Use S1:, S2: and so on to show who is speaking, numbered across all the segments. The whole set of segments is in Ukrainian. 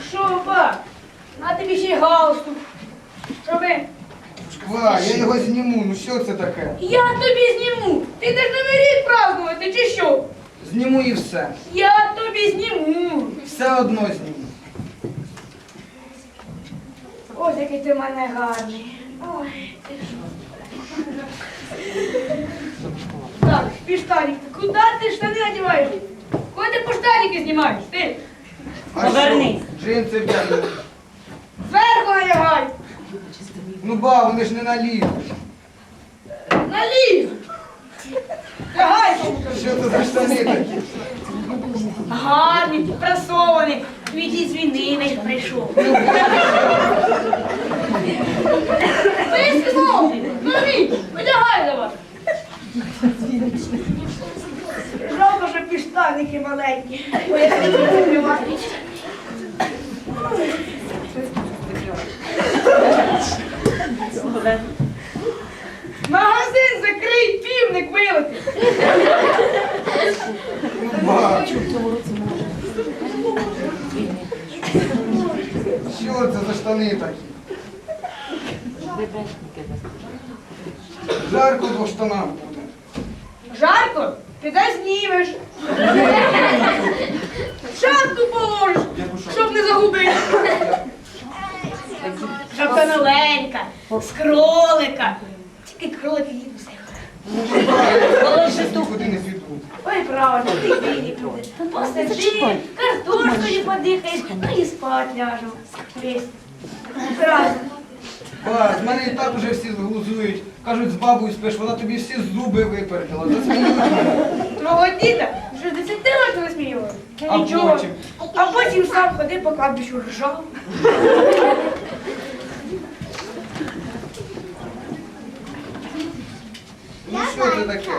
S1: Що, ба? На тобі ще й галстук. Щоби...
S2: Шква, я його зніму, ну що це таке?
S1: Я тобі зніму. Ти йдеш Новий рік празднувати, чи що?
S2: Зніму і все.
S1: Я тобі зніму.
S2: Все одно зніму.
S1: Ось який ти в мене гарний. Ой, ти що? Так, піштанік, куди ти штани надіваєш? Куди ти поштаніки знімаєш? Ти?
S2: А
S3: Повернись.
S2: що? Джинси вдягну.
S1: Зверху надягай.
S2: Ну ба, вони ж не наліво.
S1: Налів. Лягай, кому-то.
S2: Що це за штани такі?
S1: Гарний, прасований. Твій з війни не прийшов. Ти сказав, нові, одягай давай. Жалко, що піштаники маленькі. Бо я не буду закривати. Магазин закрий, півник вилетить.
S2: Ну ба, що це за штани такі? Жарко по штанам буде.
S1: Жарко? Піде знімеш. Шапку положиш, щоб не загубити. Шапка новенька, з кролика. Тільки кролики їду все.
S2: Я щас нікуди не піду.
S1: Ой, правильно, ти піди туди. Посиди, картошкою подихаєш, ну і спать ляжемо. Весь. Правильно.
S2: Ба, з мене і так уже всі глузують. Кажуть, з бабою спиш, вона тобі всі зуби випердила. Засміють мене.
S1: Твого діда вже 10 років висміювали.
S2: А
S1: Нічого.
S2: потім?
S1: А потім сам ходив по кладбищу ржав.
S2: Ну що це таке?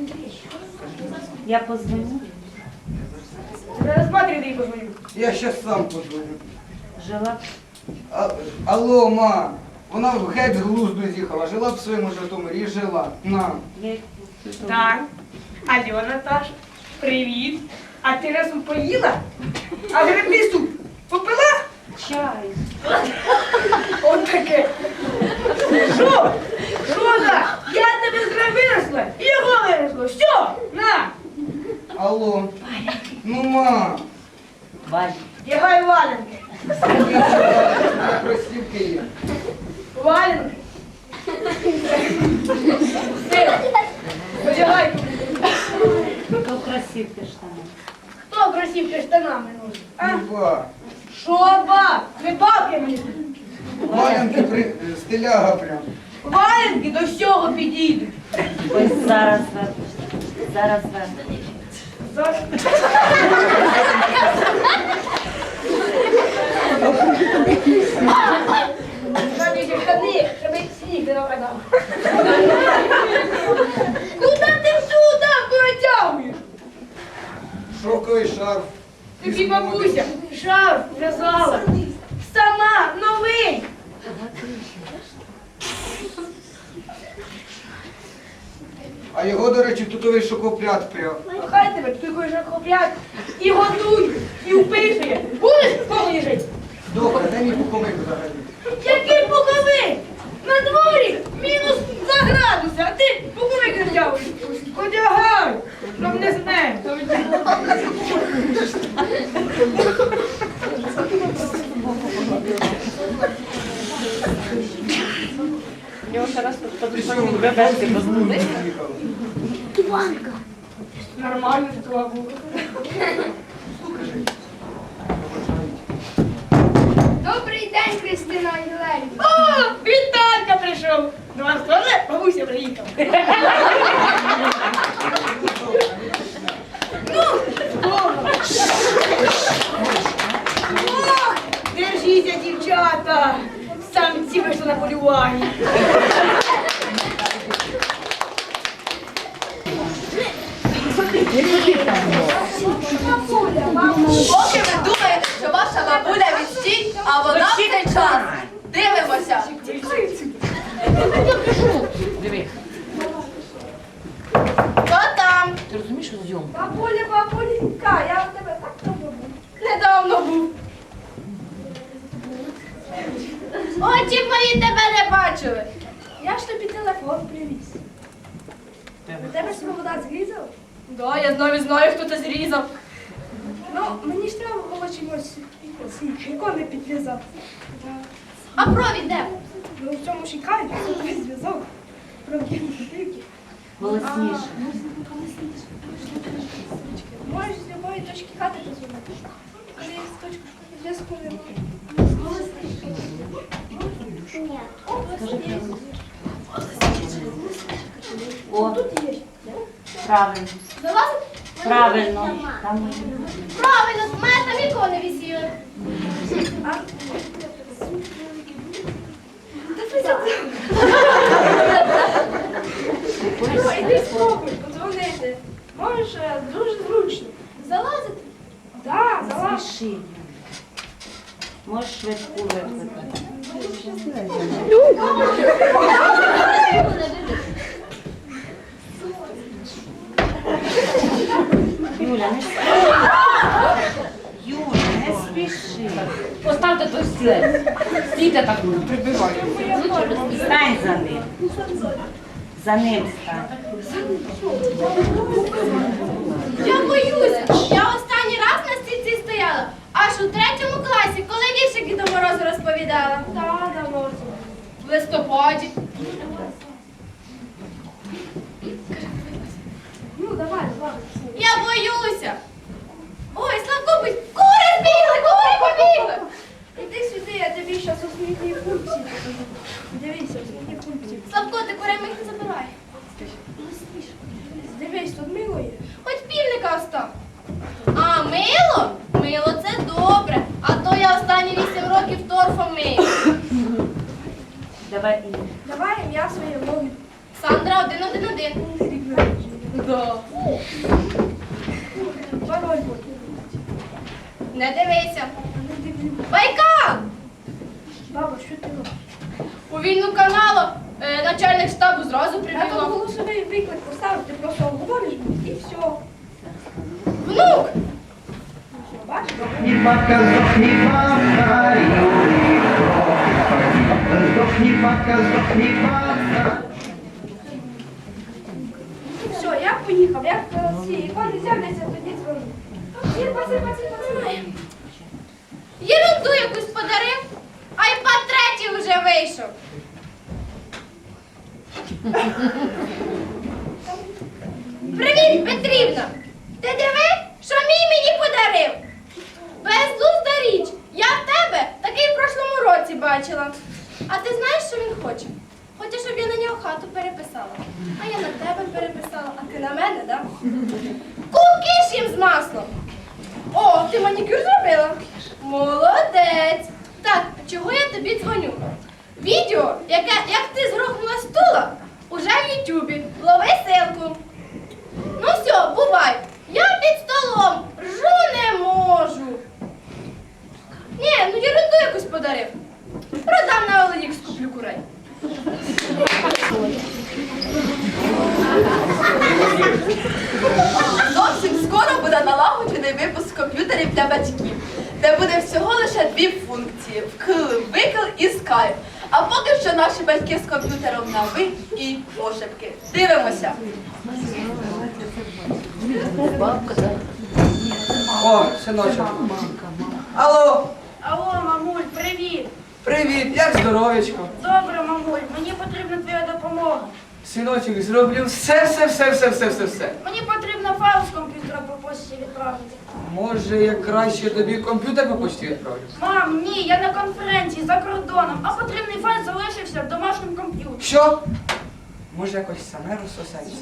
S3: Я позвоню.
S1: Зараз матері дай позвоню.
S2: Я щас сам подзвоню.
S3: Жила.
S2: Алло, ма. Вона геть з глузду з'їхала. Жила б в своєму Житомирі і жила. На.
S3: Я...
S1: Так. Алло, Наташа, привіт. А ти разом поїла? А грибний суп попила?
S3: Чай.
S1: От таке. Що? Що так? Я тебе з гри винесла і його винесло. Що? На!
S2: Алло. Ну, ма.
S3: Валь.
S1: Дягай валенки.
S2: Я кросівки є.
S1: Валенки. Все. Одягай.
S3: Хто красивки штани?
S1: Хто кросівки штанами носить? А?
S2: Ну, ба.
S1: Що, ба? Не бабки мені.
S2: Валянки стиляга прям.
S1: Валенки до всього підійдуть.
S3: Ось зараз вернеш. Зараз вернеш.
S1: Зараз. Нам є штани, щоб сніг не нападав. Куди ти всю давку натягуєш?
S2: Шовковий шарф.
S1: Тобі бабуся шарф в'язала. Сама, новий.
S2: А його, до речі, тутовий шокопряд пряв.
S1: Ну, хай тебе, ти хочеш охоплять і готуй, і вписує. Будеш в кому жити?
S2: Добре, дай мій пуховик взагалі.
S1: Який пуховик? На дворі мінус 2 градуси, а ти пуховик не втягуєш. Одягай, щоб не змерз.
S2: Ти що, бебешки позвонили?
S1: Нормально такого було.
S4: Добрий день, Христина Єлені.
S1: О, Віталька прийшов. До вас теж бабуся приїхала. Ну, здорово. Ох, держіться, дівчата. Самці вийшли на полювання.
S4: Поки ви думаєте, що ваша бабуля відстій, а вона в цей час. Дивимося.
S3: Диви.
S4: Хто там?
S3: Ти розумієш, що зйомка?
S4: Бабуля, бабуленька, я в тебе так давно був. Недавно був. Очі мої тебе не бачили. Я ж тобі телефон привіз.
S1: У тебе свобода зрізав?
S4: Да, я навіть знаю, хто це зрізав.
S1: Ну, мені ж треба було чимось ікони підв'язати.
S4: А провід де?
S1: Ну, в цьому шикарі, це зв'язок. Провідні штуки.
S3: Голосніше.
S1: Можеш з любої точки хати позвонити. Але є точка зв'язку немає.
S3: О,
S1: Тут є.
S3: правильно.
S4: Залазить?
S3: Правильно. Там
S4: Правильно, в мене там ікони висіли.
S1: Ну, іди спробуй, подзвонити. Можеш дуже зручно.
S4: Залазити?
S1: Так, залазь.
S3: спіши. Можеш швидку викликати. Юля, не спіши. Юля, не спіши.
S5: Поставте той стілець. Стійте так, прибивайте.
S3: Стань за ним. За ним стань.
S4: Я боюся. Я останній раз на стільці стояла. Аж у 3-му класі, коли віршики до Морозу розповідала.
S1: Так, давно.
S4: В листопаді.
S1: Ну, давай, давай.
S4: Я боюся. Ой, Славко, кури збігли, кури побігли.
S1: Іди сюди, я тобі зараз основні функції покажу. Дивися, основні функції.
S4: Славко, ти курей моїх не забирай.
S1: Дивись, тут мило є.
S4: Хоч півника остав. А мило? Мило це добре. А то я останні 8 років торфом мию.
S3: Давай ім'я.
S1: Давай ім'я своє вогонь.
S4: Сандра 111. Да.
S1: Пароль буде.
S4: Не дивися.
S1: Не дивлюсь.
S4: Байкал!
S1: Баба, що ти робиш?
S4: У війну каналу начальник штабу зразу
S1: Я там
S4: прибігла.
S1: голосовий виклик поставив, ти просто говориш і все.
S4: Внук!
S1: Все, бачиш?
S6: Здохни, бабка, здохни, бабка, здохни, бабка.
S1: Все, я поїхав. Як ці ікони з'являться, тоді дзвоню. Паси.
S4: Єрунду якусь подарив, айпад 3 вже вийшов. Привіт, Петрівна! Ти диви, що мій мені подарив? Безглузда річ. Я в тебе такий в прошлому році бачила. А ти знаєш, що він хоче? Хоче, щоб я на нього хату переписала. А я на тебе переписала, а ти на мене, да? Кулки ж їм з маслом. О, ти манікюр зробила? Молодець. Так, чого я тобі дзвоню? Відео, як ти згрохнула стула, уже в Ютубі. Лови ссылку. Ну все, бувай. Я під столом. Ржу не можу. Ні, ну ерунду якусь подарив. Продам на OLX, куплю курей.
S7: Зовсім скоро буде налагоджений випуск комп'ютерів для батьків, де буде всього лише 2 функції – вкл, викл і скайп. А поки що наші батьки з комп'ютером на ви і пошепки. Дивимося.
S2: О, синочок. Алло,
S1: Алло, мамуль, привіт.
S2: привіт, як здоровечко?
S1: Добре, мамуль, мені потрібна твоя допомога.
S2: Синочок, зроблю все.
S1: Мені потрібно файл з комп'ютера по почті відправити.
S2: Може, я краще тобі комп'ютер по почті відправлю?
S1: Мам, ні, я на конференції за кордоном, а потрібний файл залишився в домашньому комп'ютері.
S2: Що? Може, якось саме розсосається?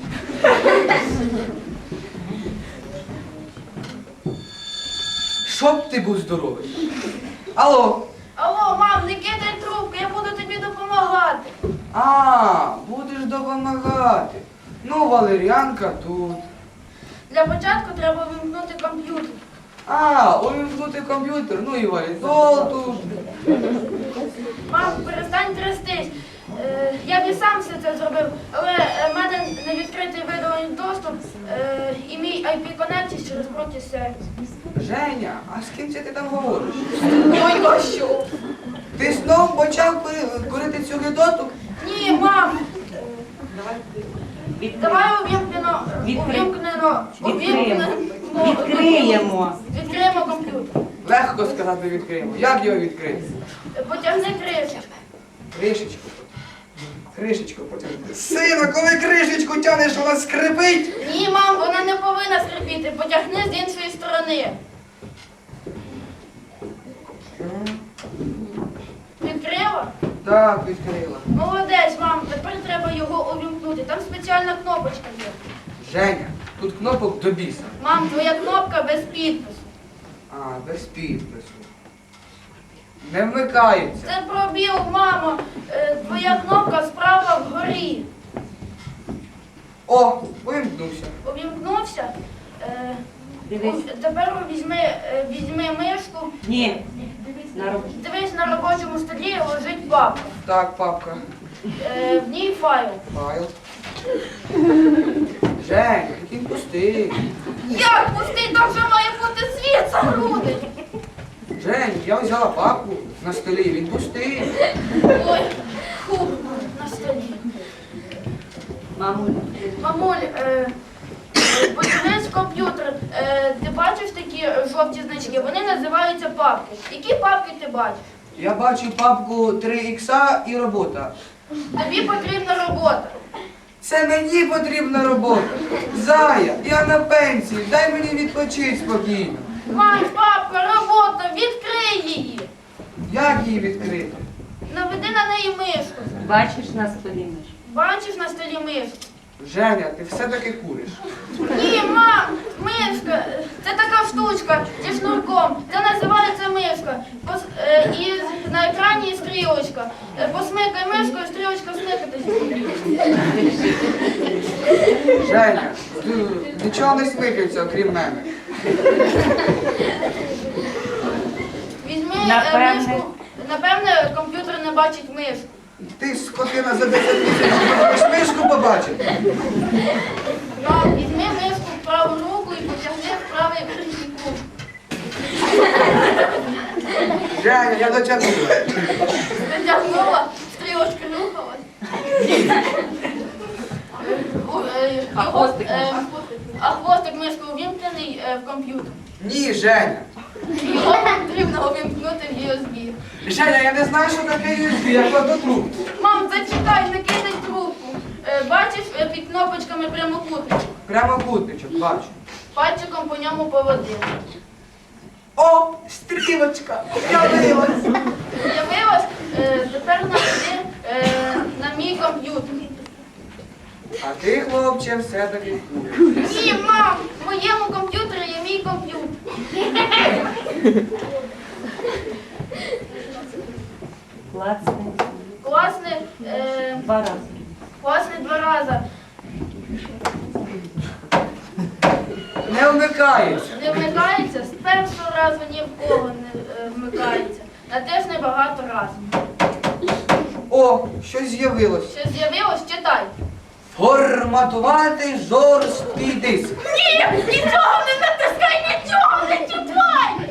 S2: Щоб ти був здоровий. Алло.
S1: Алло, мам, не кидай трубку, я буду тобі допомагати.
S2: А, будеш допомагати. Ну, валеріанка тут.
S1: Для початку треба вимкнути комп'ютер.
S2: А, увімкнути комп'ютер, ну і валідол тут.
S1: Мам, перестань трястись. Я б і сам все це зробив, але в мене не відкритий видалений доступ і мій IP-коннекцій через проти-сервіс.
S2: Женя, а з ким це ти там говориш?
S7: Ой, що?
S2: Ти Ти знов почав курити цю гидоту?
S1: Ні, мам,
S3: Відкриємо.
S1: давай увімкнено,
S3: Відкриємо.
S1: Відкриємо комп'ютер.
S2: Легко сказати відкриємо. Як його відкрити?
S1: Потягни кришечку.
S2: Кришечку. Кришечку потягни. Сина, коли кришечку тянеш, вона скрипить.
S1: Ні, мам, вона не повинна скрипіти. Потягни з іншої сторони. Відкрила?
S2: Так, відкрила.
S1: Молодець, мам, тепер треба його увімкнути. Там спеціальна кнопочка є.
S2: Женя, тут кнопок до біса.
S1: Мам, твоя кнопка без підпису.
S2: А, без підпису. Не вмикається.
S1: Це пробіл, мамо. Твоя кнопка справа вгорі.
S2: О, вимкнувся.
S1: Увімкнувся.
S3: Дивись.
S1: Тепер візьми мишку.
S3: Ні. На роботу.
S1: Дивись, на робочому столі лежить папка.
S2: Так, папка.
S1: В ній файл.
S2: Файл. Жень, він пустий.
S1: Як пустий, там вже має бути світ за груди.
S2: Жень, я взяла папку на столі, він пустий.
S1: Ой, фу, на столі.
S3: Мамуль.
S1: Мамуль, подивись комп'ютер. Ти бачиш такі жовті значки? Вони називаються папки. Які папки ти бачиш?
S2: Я бачу папку 3х і робота.
S1: Тобі потрібна робота.
S2: Це мені потрібна робота. Зая, я на пенсії, дай мені відпочити спокійно.
S1: Мам, папка, робота, відкрий її.
S2: Як її відкрити?
S1: Наведи на неї мишку.
S3: Бачиш на столі миш?
S1: Бачиш на столі мишку?
S2: Женя, ти все-таки куриш.
S1: Ні, мам, мишка. Це така штучка зі шнурком. Це називається мишка. І на екрані стрілочка. Посмикай мишкою, стрілочка смикатись буде.
S2: Женя, нічого не смикається, окрім мене.
S1: Візьми
S3: Напевне.
S1: мишку. Напевне, комп'ютер не бачить мишку.
S2: Ти скотина за 10 тисяч можеш мишку побачити.
S1: Мам, візьми мишку в праву руку і потягни в правий кут.
S2: Женя, я дотягнула.
S1: Затягнула, стрілочка рухалась. А хвостик мишки увімкнений в комп'ютер.
S2: Ні, Женя.
S1: Його потрібно увімкнути в USB.
S2: Женя, я не знаю, що таке USB, я кладу трубку.
S1: Мам, зачекай, не кидай трубку. Бачиш під кнопочками прямокутник.
S2: Прямокутничок, бачу.
S1: Пальчиком по ньому поводи.
S2: О, стрілочка, явилась.
S1: З'явилось, тепер наведи на мій комп'ютер.
S2: А ти, хлопче, все-таки куриш.
S1: Ні, мам, в моєму комп'ютері є мій комп'ютер.
S3: Класний.
S1: Класне,
S3: 2 рази.
S1: класне 2 рази.
S2: Не вмикається.
S1: Не вмикається, з першого разу ні в кого не вмикається. Натисни багато разів.
S2: О, щось з'явилось.
S1: Що з'явилось, читай.
S2: Форматувати жорсткий диск.
S1: Ні, нічого не натискай, нічого не читай!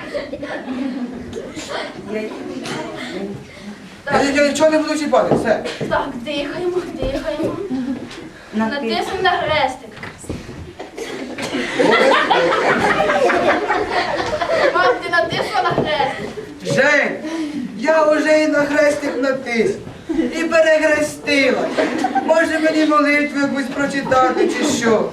S2: Я нічого не буду чіпати, все.
S1: Так, дихаємо, дихаємо.
S3: Натисни.
S1: Натисни на хрестик. Мам, ти натисла на хрестик.
S2: Жень, я вже і на хрестик натис. І перехрестила. Може мені молитву якусь прочитати чи що?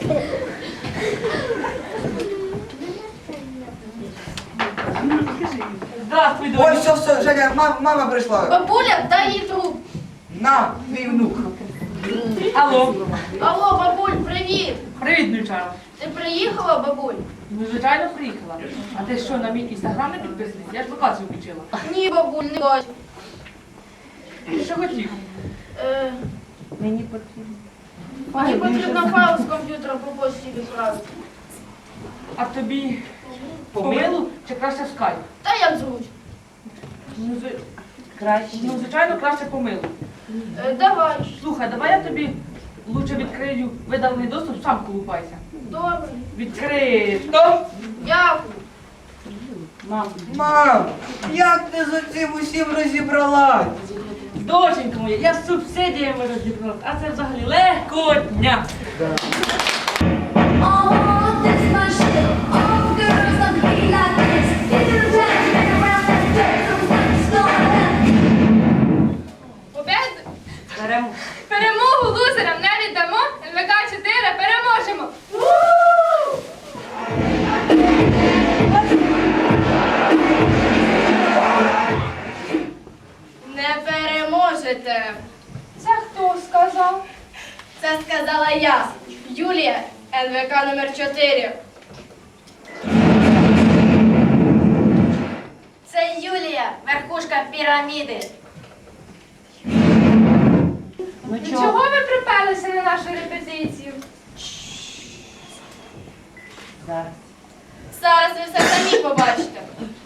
S3: Здравствуй,
S2: Ой, все, Женя, мама прийшла.
S1: Бабуля, дай їй трубку.
S2: На, мій внук.
S5: Алло,
S1: Алло, бабуль, привіт.
S5: привіт, внучара.
S1: Ти приїхала, бабуль?
S5: Ну, звичайно, приїхала. А ти що, на мій інстаграм не підписаний? Я ж локацію включила.
S1: Ні, бабуль, не бачу.
S5: Що хотів?
S3: Мені потрібно.
S1: Мені потрібно файл з комп'ютера по почті відправити.
S5: А тобі по мейлу чи краще в скайп?
S1: Та як зручно.
S3: Краще.
S5: Ну, звичайно, краще по мейлу.
S1: Давай.
S5: Слухай, давай я тобі лучше відкрию видалений доступ, сам колупайся.
S1: Добре.
S5: Відкрито!
S1: Дякую.
S3: Мам,
S2: Мам, як ти з цим усім розібралась?
S5: Доченька моя, я з субсидіями розібралась, а це взагалі легкотня.
S8: Oh, this my shit. All the girls love to be like this. Get to the town, make around that dirt. Something's going on.
S3: беремо.
S4: Перемогу лузерам не віддамо. НВК 4 переможемо. Не переможете. Це хто сказав? Це сказала я, Юлія, НВК номер 4.
S1: Це Юлія, верхушка піраміди.
S3: Ну
S4: Чого
S3: чого?
S4: ви приперлися на нашу репетицію?
S3: Зараз.
S4: Зараз ви все самі побачите.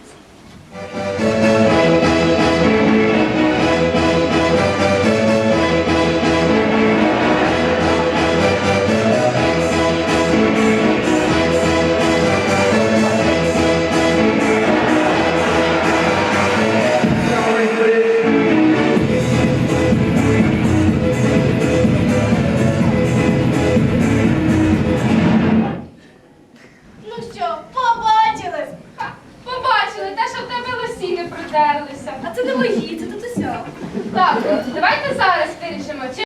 S4: Ну що, побачили? Ха, побачили, те, що в тебе лосіни придерлися. А це не мої, це тут усе. Так, давайте зараз вирішимо, чи